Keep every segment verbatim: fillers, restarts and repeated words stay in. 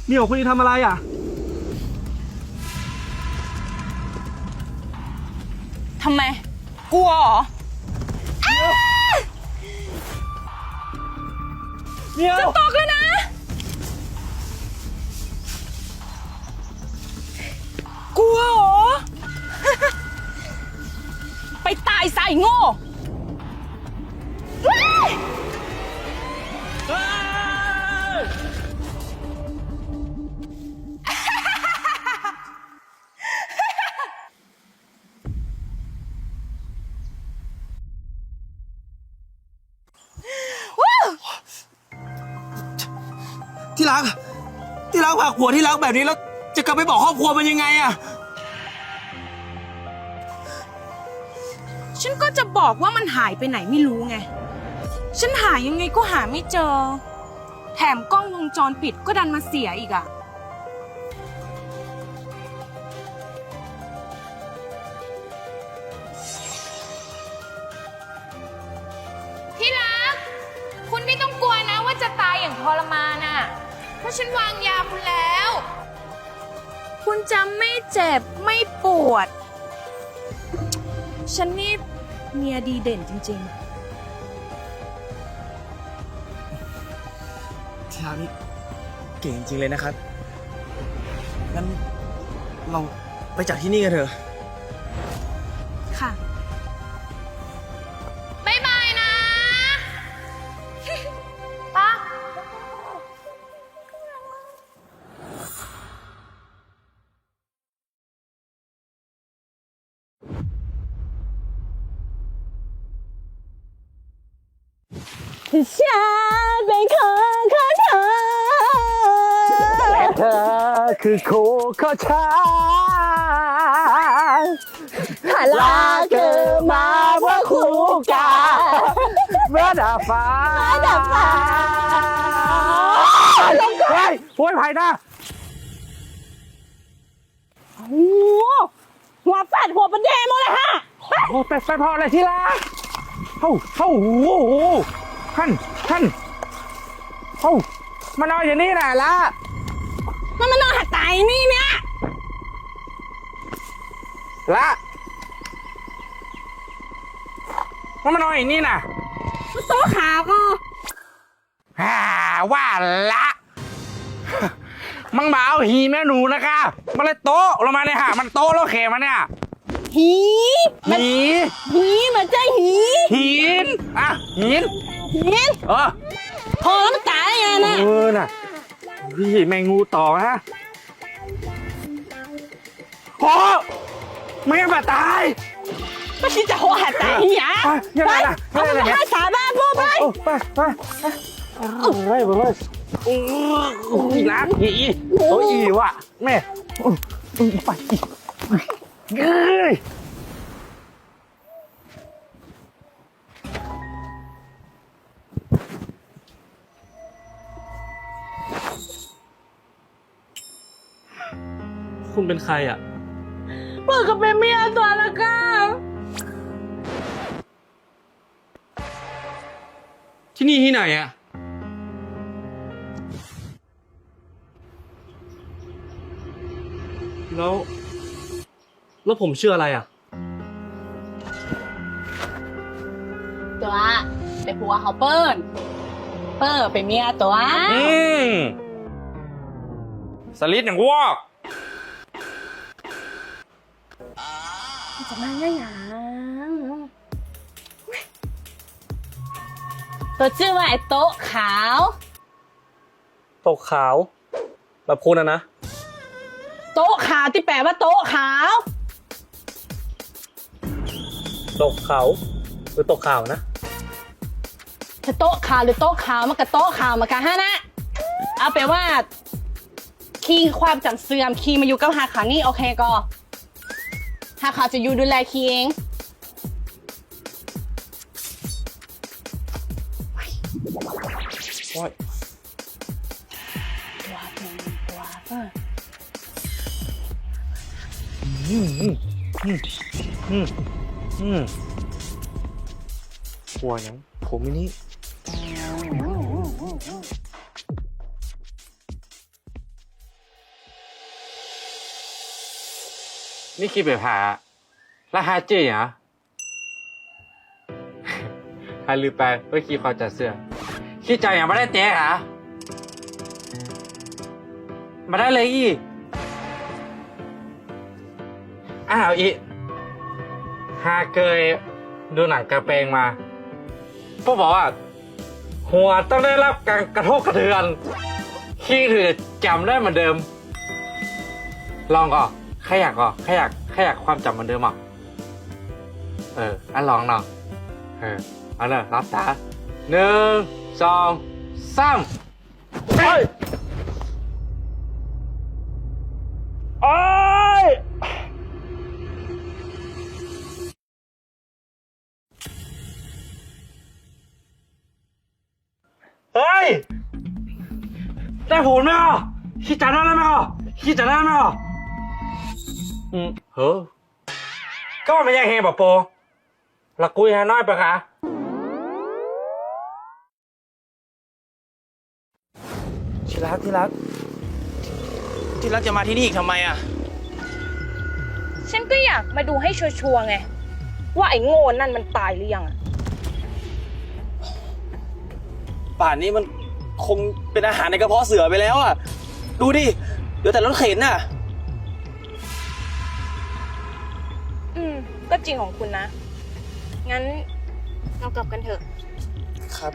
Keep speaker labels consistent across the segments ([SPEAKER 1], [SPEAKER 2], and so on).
[SPEAKER 1] เหมียวคุณจะทำอะไรอ่ะ
[SPEAKER 2] ทำไมกลัวเหรอ
[SPEAKER 1] เหมียว
[SPEAKER 2] จะตกเลยนะกลัวเหรอ ไปตายซะไอ้โง่
[SPEAKER 3] ที่รักที่รักผลักหัวที่รักแบบนี้แล้วจะกลับไปบอกครอบครัวมันยังไงอะ
[SPEAKER 2] ฉันก็จะบอกว่ามันหายไปไหนไม่รู้ไง ฉันหายังไงก็หาไม่เจอ แถมกล้องวงจรปิดก็ดันมาเสียอีกอะที่รัก คุณไม่ต้องกลัวนะว่าจะตายอย่างทรมานอะเพราะฉันวางยาคุณแล้ว คุณจะไม่เจ็บไม่ปวด ฉันนี่เมียดีเด่นจริง
[SPEAKER 3] ที่รักนี่เก่งจริงเลยนะครับงั้นเราไปจากที่นี่กันเถอะ
[SPEAKER 2] ๆ ค่ะ บ๊ายบายนะ ป้าฉันเป็นคนของเธอ
[SPEAKER 1] และเธอคือคู่ของฉัน
[SPEAKER 2] ลาเกิดมาเพื่อคู่กัน
[SPEAKER 1] เมื่อดาฟ้า
[SPEAKER 2] เมื่อดาฟ้า
[SPEAKER 1] เฮ้ยโวยไผ่นะ
[SPEAKER 2] โอ้หัวแฟดหัวประเดมหมดเลยฮะ
[SPEAKER 1] โอ้เป็ดไฟพออะไรที่รักเฮ้าเฮ้าโอ้โหท่านท่านเฮ้ามานอนอย่างนี้แหละละ
[SPEAKER 2] มันมานอนหัดตายนี่เนี่ย
[SPEAKER 1] ละมันมานอนอย่างนี้น่ะ
[SPEAKER 2] มันโต๊ะขาก็
[SPEAKER 1] ฮ่าว่าละมังบ่าวหีแม่หนูนะคะมันเลยโต๊ะลงมาเนี่ยฮะมันโต๊ะแล้วเขมันเนี่ย
[SPEAKER 2] หี
[SPEAKER 1] หี
[SPEAKER 2] หีมันใจหี
[SPEAKER 1] หินอ่ะหิน
[SPEAKER 2] หิน
[SPEAKER 1] เออ
[SPEAKER 2] พอแล้วมันตายไงนะ
[SPEAKER 1] เออน่ะพี่แมงงูต่อฮะโอ้ไม่งั้นบาดตาย
[SPEAKER 2] ไม่คิดจะหัวหัดตายหีอ่ะ
[SPEAKER 1] ยังไงล่ะ
[SPEAKER 2] เอาไปให้สาบ้านพวกไป
[SPEAKER 1] ไปไปไปไปไปโอ้ยรักอีโอ้ยว่ะแม่ไปเอ้ยคุณเป็นใครอ่ะ
[SPEAKER 2] เปิดกับเป็นเมียตัวละกัน
[SPEAKER 1] ที่นี่ที่ไหนอ่ะแล้วแล้วผมชื่ออะไรอ่ะ
[SPEAKER 2] ตัวเป็นผัวเขาเปิ้ลเปิ้ลเป็นเมียตัว
[SPEAKER 1] อืมสลิดอย่างวอก
[SPEAKER 2] จะมาง่ายหยังตัวชื่อว่าไอ้โต๊ะขาว
[SPEAKER 1] ตกขาวแบบคุณอะนะ
[SPEAKER 2] โต๊ะขาวที่แปลว่าโต๊ะขาว
[SPEAKER 1] ตกเขาหรือตกข่าวนะ
[SPEAKER 2] ถ้าโต๊ะขาวหรือโต๊ะขาวมันกับโต๊ะขาวมันกับฮะนะเอาไปว่าคีย์ความจำเสื่อมคีย์มาอยู่กับหาขาวนี่โอเคก็หาขาวจะอยู่ดูแลคีย์เอง
[SPEAKER 1] โอ้ย
[SPEAKER 2] ตัวเป็นตัวเปิ้ล
[SPEAKER 1] อืมอืมอืมอืมอืมกลัวยังผมมินี่นี่คิดไปผ่าแล้วฮาจื้อเหรอฮาลือไปเพื่อคิดความจัดเสื้อคิดใจอย่างไม่ได้เจ๊เหรอมาได้เลยอีอ้าวอีฮาเคยดูหนังกระเปงมาพวกบอกว่าหัวต้องได้รับการกระทบกระเทือนขี้ถือจำได้เหมือนเดิม ลองก่อนแค่อยากก่อนแค่อยากแค่อยากความจำเหมือนเดิมอ่ะเอออันลองเนาะเออเอาเลยรับตาหนึ่งสองสามเฮ้ยโอ้ยเฮ้ยได้ผลไหมอ่ะคิดจัดได้ไหมอ่ะคิดจัดได้ไหมอ่ะอืมเฮ้อก็ไม่ยังเฮบอโปละกุยฮะน้อยปะคะ
[SPEAKER 3] ที่รักที่รักที่รักจะมาที่นี่อีกทำไมอ่ะ
[SPEAKER 2] ฉันก็อยากมาดูให้ชัวร์ๆไง ว่าไอ้โง่นั่นมันตายหรือยังอะ
[SPEAKER 3] ป่านนี้มันคงเป็นอาหารในกระเพาะเสือไปแล้วอ่ะ ดูดิเหลือแต่รถเข็นน่ะ
[SPEAKER 2] อืม ก็จริงของคุณนะ งั้นเรากลับกันเถอะ
[SPEAKER 3] ครับ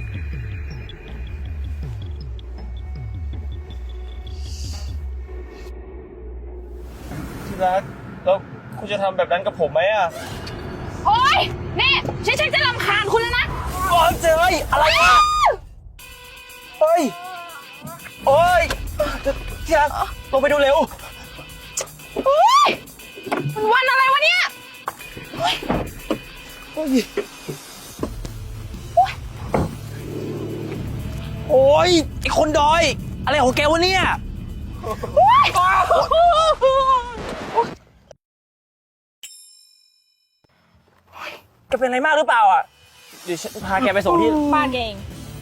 [SPEAKER 3] ที่รักแล้วคุณจะทำแบบนั้นกับผมไหมอ่ะ
[SPEAKER 2] โอ๊ยนี่ฉันฉันจะรำคาญคุณแล้วนะ
[SPEAKER 3] โอ้ยเจยอะไรอ่ะเฮ้ย โอ้ยที่รักลงไปดูเร็ว
[SPEAKER 2] โอ๊ยมันวันอะไรวะเนี่ยโอ๊ย
[SPEAKER 3] โอ้ย โอ้ยไอคนดอย อะไรของแกวะเนี่ย
[SPEAKER 2] โอ๊ย
[SPEAKER 3] แกเป็นอะไรมากหรือเปล่าอ่ะ เดี๋ยวฉันพาแกไปส่งที่
[SPEAKER 2] บ้านแกเอง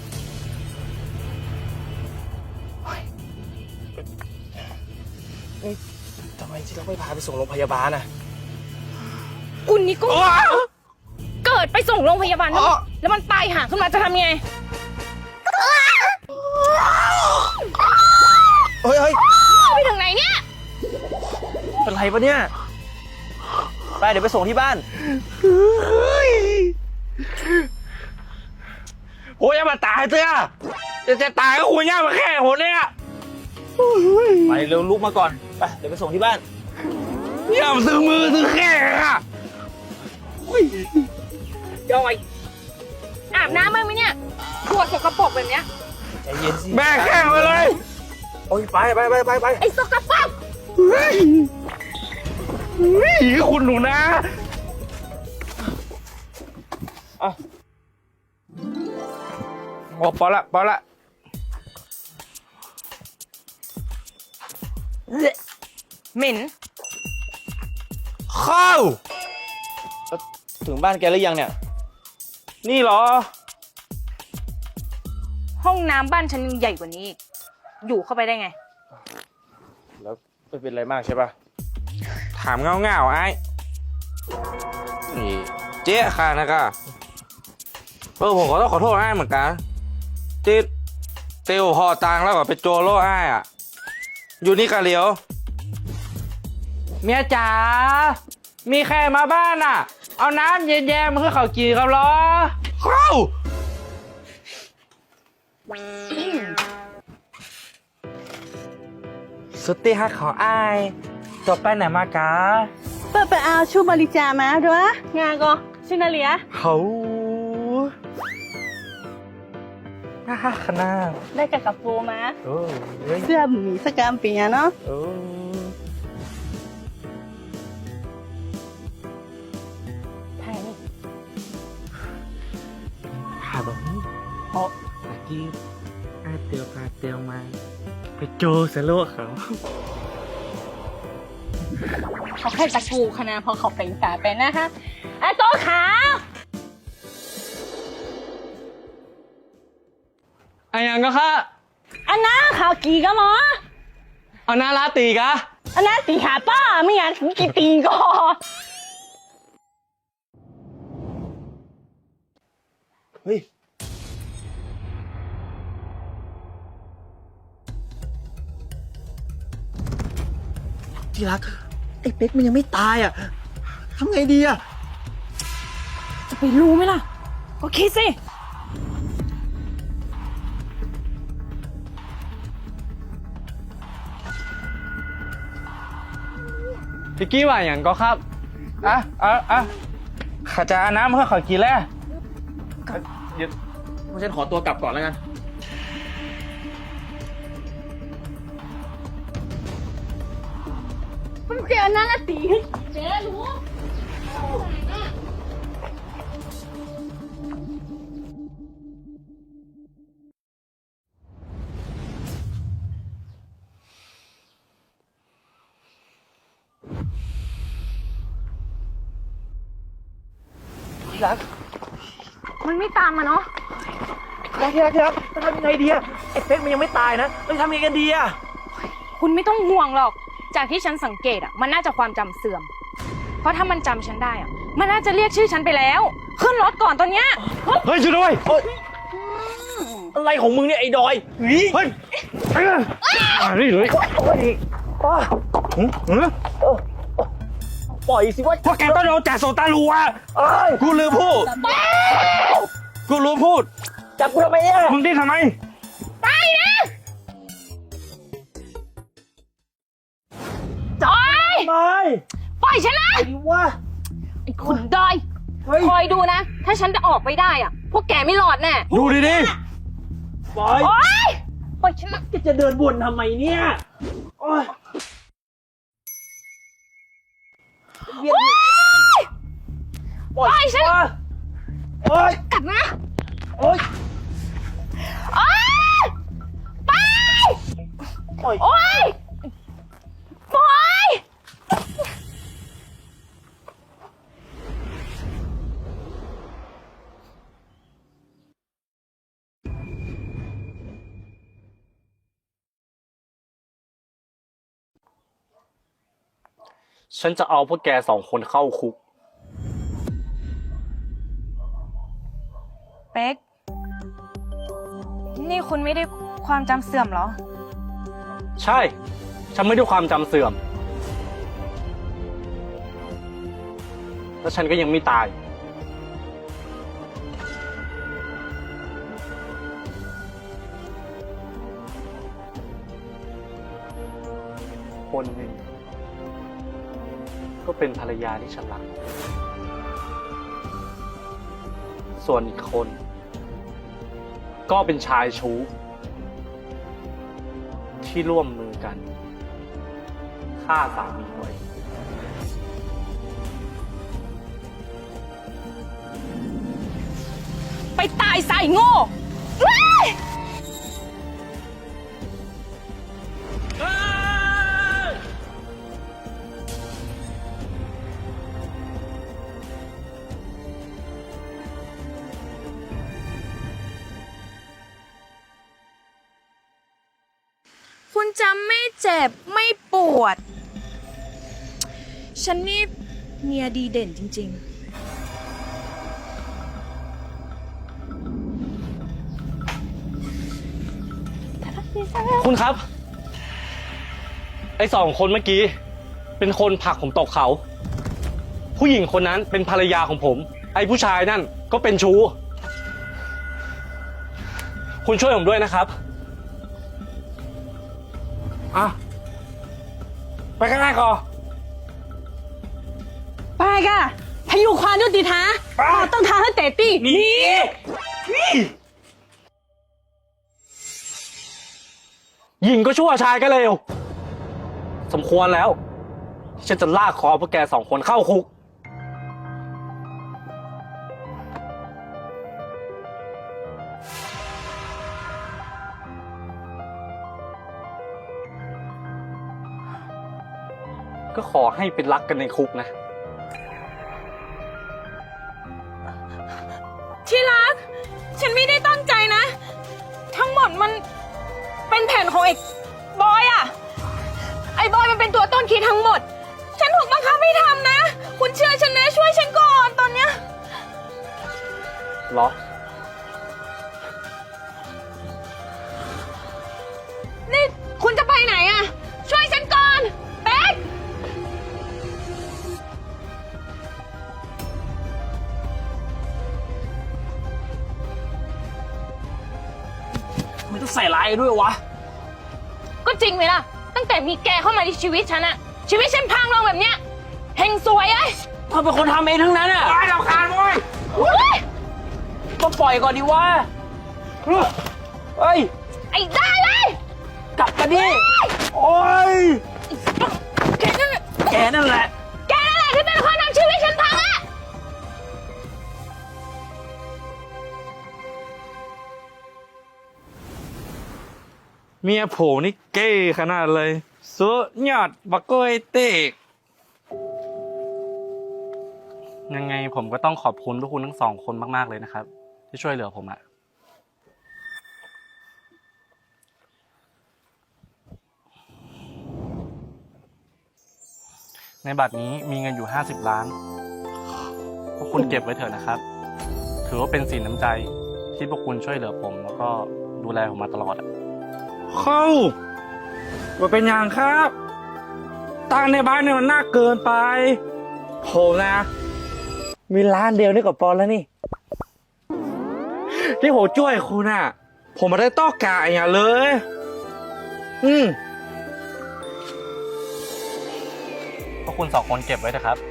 [SPEAKER 3] นี่ทำไมที่รักไม่พาไปส่งโรงพยาบาลอ่ะ
[SPEAKER 2] คุณนี่ก็เกิดไปส่งโรงพยาบาลแล้วแล้วมันตายห่าขึ้นมาจะทำไง
[SPEAKER 3] เฮ้ยเฮ้ย
[SPEAKER 2] ไปถึงไหนเนี่ย
[SPEAKER 3] เป็นไรปะเนี่ย ไปเดี๋ยวไปส่งที่บ้าน
[SPEAKER 1] โอ้ยอย่ามาตายเถอะจะจะตายก็คุยยากมาแค่หัวเนี่ย
[SPEAKER 3] ไปเร็วลุกมาก่อน ไปเดี๋ยวไปส่งที่บ้าน
[SPEAKER 1] อย่ามาซื้อมือซื้อแค่อะ
[SPEAKER 2] ย่อยอาบน้ำบ้างไหมเนี่ยขวดสกปรกแบบเนี้ย
[SPEAKER 3] ใจเย็นสิ
[SPEAKER 1] แม่แข้งไปเลย
[SPEAKER 3] โอ้ยไปไปไปไปไป
[SPEAKER 2] ไอ้สกปรก
[SPEAKER 1] เฮ้ยเฮ้ยคุณหนูนะ
[SPEAKER 3] อ่ะ
[SPEAKER 1] โอ้พอละพอละ
[SPEAKER 2] เหม็น
[SPEAKER 1] เข้า
[SPEAKER 3] ถึงบ้านแกหรือยังเนี่ย
[SPEAKER 1] นี่เหรอ
[SPEAKER 2] ห้องน้ำบ้านฉันยังใหญ่กว่านี้อีกอยู่เข้าไปได้ไง
[SPEAKER 3] แล้วไม่เป็นไรมากใช่ปะ
[SPEAKER 1] ถามเงาเงาๆไอ้นี่เจ๊ค่ะนะก็เออผมก็ต้องขอโทษไอ้เหมือนกันที่เตียวหอตังแล้วก็ไปโจโล่ไอ้อะอยู่นี่กะเหลียว เมียจ๋า มีใครมาบ้านอ่ะ เอาน้ำเย็นๆมาคือข้าวจีครับเหรอเข้าสุดที่ฮักของไอ้ายจบไปไหนมากะ
[SPEAKER 4] เปิดไปเอาชูบริจามาด้วยงานก็ชินาเลีย
[SPEAKER 1] เขาฮ่าฮ่าขนาด
[SPEAKER 4] ได้กับกับฟูมา
[SPEAKER 1] โอ้ย
[SPEAKER 4] เสื้อหมีสกามปีอะเนาะ
[SPEAKER 1] โอ้ไทยหาแบบนี้เพราะตะกี้อาเตียวพาเตียวมา ไปโจเซโลเขา
[SPEAKER 2] เขาแค่ตะกูขนาดพอเขาเป็นสาเป็นนะคะไอ้โต๊ะขาว
[SPEAKER 1] อันยังก็ค่ะ
[SPEAKER 2] อันน้าขาวกี่ก็หรอ
[SPEAKER 1] เอาหน้าลาตีกะ
[SPEAKER 2] อันนั้นตีหาป้าไม่งั้นกี่ตีก็
[SPEAKER 3] เฮ้ย ที่รัก ไอ้เป๊กมันยังไม่ตายอ่ะทำไงดีอ่ะ
[SPEAKER 2] จะไปรู้ไหมล่ะ ก็คิดสิ
[SPEAKER 1] พี่กี้ว่าอย่างก็ครับ อ่ะอ่ะอ่ะข้าจะเอาน้ำเพื่อขอกินแล้วเดี๋ยวฉันขอตัวกลับก่อนแล้วกัน
[SPEAKER 2] มันเจอนั่นละตีเจ๊รู้
[SPEAKER 3] ที่รัก
[SPEAKER 2] มันไม่ตามมาเนาะ
[SPEAKER 3] ที่รักที่รักที่รักจะทำยังไงดีอ่ะ ไอ้เป๊กมันยังไม่ตายนะเราจะทำยังไงกันดีอ่ะ
[SPEAKER 5] คุณไม่ต้องห่วงหรอก จากที่ฉันสังเกตอ่ะ มันน่าจะความจำเสื่อม เพราะถ้ามันจำฉันได้อ่ะ มันน่าจะเรียกชื่อฉันไปแล้ว ขึ้นรถก่อนตอนเนี้ย
[SPEAKER 1] เฮ้ยช่วยด้วย
[SPEAKER 3] อะไรของมึงเนี่ยไอ้ดอยเฮ้ย
[SPEAKER 1] เฮ้ยอ่านี่เลย
[SPEAKER 3] โอ้ยอ้าว
[SPEAKER 1] หืมหืม
[SPEAKER 3] ปล่อยสิว่า
[SPEAKER 1] พวกแกต้องโดนจ่าโซตาลูอ่ะ
[SPEAKER 3] เอ้ย
[SPEAKER 1] กูลืมพูด กูลืมพูด
[SPEAKER 3] จับกูทำไมเนี่ย
[SPEAKER 1] มึงดิ้นทำไม
[SPEAKER 5] จอย
[SPEAKER 3] ทำไม
[SPEAKER 5] ปล่อยฉันนะ
[SPEAKER 3] ไอ้วะ
[SPEAKER 5] ไอ้คุณดอย
[SPEAKER 3] เฮ้ย
[SPEAKER 5] คอยดูนะ ถ้าฉันจะออกไปได้อ่ะ พวกแกไม่รอดแน่
[SPEAKER 1] ดูดิดิ
[SPEAKER 3] ปล่อย
[SPEAKER 5] โอ๊ย ปล่อยฉันนะ
[SPEAKER 3] แกจะเดินวนทำไมเนี่ยโอ้ย
[SPEAKER 5] โอ๊ย
[SPEAKER 3] ปล่อย
[SPEAKER 5] ปล่อยฉัน
[SPEAKER 3] วะโอ้ย
[SPEAKER 5] กัดนะ
[SPEAKER 3] โอ้ย
[SPEAKER 5] โอ๊ย ไป
[SPEAKER 3] ปล่อย
[SPEAKER 5] โอ๊ย ปล่อย
[SPEAKER 1] ฉันจะเอาพวกแกสองคนเข้าคุก
[SPEAKER 5] เป๊ก นี่คุณไม่ได้ความจำเสื่อมเหรอ
[SPEAKER 1] ใช่ ฉันไม่ได้ความจำเสื่อม แล้วฉันก็ยังไม่ตาย คนหนึ่งก็เป็นภรรยาที่ฉันรัก ส่วนอีกคน ก็เป็นชายชู้ ที่ร่วมมือกันฆ่าสามีตัวเอง
[SPEAKER 5] ไปตายใส่โง่เว้ย คุณจำไม่เจ็บไม่ปวด ฉันนี่เมียดีเด่นจริง ๆ
[SPEAKER 1] คุณครับ ไอ้สองคนเมื่อกี้ เป็นคนผลักผมตกเขา ผู้หญิงคนนั้นเป็นภรรยาของผม ไอ้ผู้ชายนั่นก็เป็นชู้ คุณช่วยผมด้วยนะครับ อ่ะ ไปข้างหน้าก่อน
[SPEAKER 2] ไปก่ะพายุความยุติธรรมเราต้องทำให้เตะตี้
[SPEAKER 1] นี่หญิงก็ชั่วชายก็เลวสมควรแล้วที่ฉันจะลากคอพวกแกสองคนเข้าคุก ก็ขอให้เป็นรักกันในคุกนะ
[SPEAKER 5] ที่รัก ฉันไม่ได้ตั้งใจนะ ทั้งหมดมันเป็นแผนของไอ้บอยอะไอ้บอยมันเป็นเป็นตัวต้นคิดทั้งหมด ฉันถูกบังคับให้ทำนะ คุณเชื่อฉันนะช่วยฉันก่อนตอนเนี้ย
[SPEAKER 1] เหรอ
[SPEAKER 5] นี่คุณจะไปไหนอะช่วยฉันก่อนเป๊ก
[SPEAKER 3] มันต้องใส่ร้ายด้วยวะ
[SPEAKER 5] ก็จริงไหมล่ะ ตั้งแต่มีแกเข้ามาในชีวิตฉันอะชีวิตฉันพังลงแบบเนี้ยเฮงสวยไอ้
[SPEAKER 3] เธอเป็นคนทำเองทั้งนั้นอ่ะ
[SPEAKER 1] ไอ้เราคานโว้ย
[SPEAKER 5] เฮ้ย
[SPEAKER 3] ก็ปล่อยก่อนดีวะเฮ้ย
[SPEAKER 5] ไอ้ได้เลย
[SPEAKER 3] กลับมาดิ โอ้ย
[SPEAKER 5] แกนั่นแหละ
[SPEAKER 3] แกนั่นแหละ
[SPEAKER 5] แกนั่นแหละที่เป็นคนทำชีวิตฉันพังอะ
[SPEAKER 1] เมียโผนี่เก้ขนาดเลยสุดยอดบักโกยเตกยังไงผมก็ต้องขอบคุณพวกคุณทั้งสองคนมากๆเลยนะครับ ที่ช่วยเหลือผมอะในบัตรนี้มีเงินอยู่ห้าสิบล้าน พวกคุณเก็บไว้เถอะนะครับ ถือว่าเป็นสินน้ำใจที่พวกคุณช่วยเหลือผม แล้วก็ดูแลผมมาตลอดอะเข้าว่าเป็นอย่างครับตังในบ้านเนี่ยมันน่าเกินไปผมนะ มีร้านเดียวนี่กับปอนแล้วนี่ ที่ผมช่วยคุณอ่ะ ผมไม่ได้ต้องการอย่างเลย อืมพวกคุณสองคนเก็บไว้เถอะครับ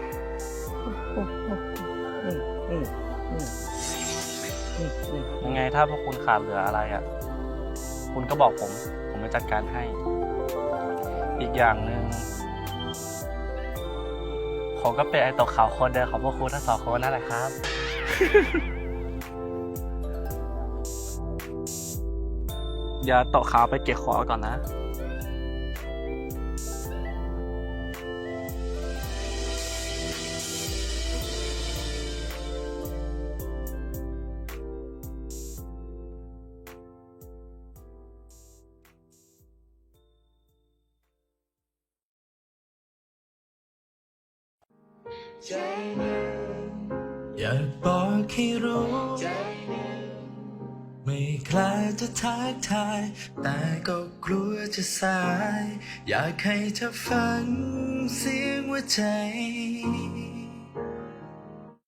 [SPEAKER 1] ยังไงถ้าพวกคุณขาดเหลืออะไรอ่ะ คุณก็บอกผม ผมจะจัดการให้ อีกอย่างหนึ่งผมก็เป็นไอตกขาวคนเดิมของพวกคุณทั้งสองคนนั่นแหละครับ อย่าตกขาวไปเก็บของก่อนนะ
[SPEAKER 6] อยากบอกให้รู้ไม่กล้าจะทักทายแต่ก็กลัวจะสายอยากให้เธอฟังเสียงหัวใจ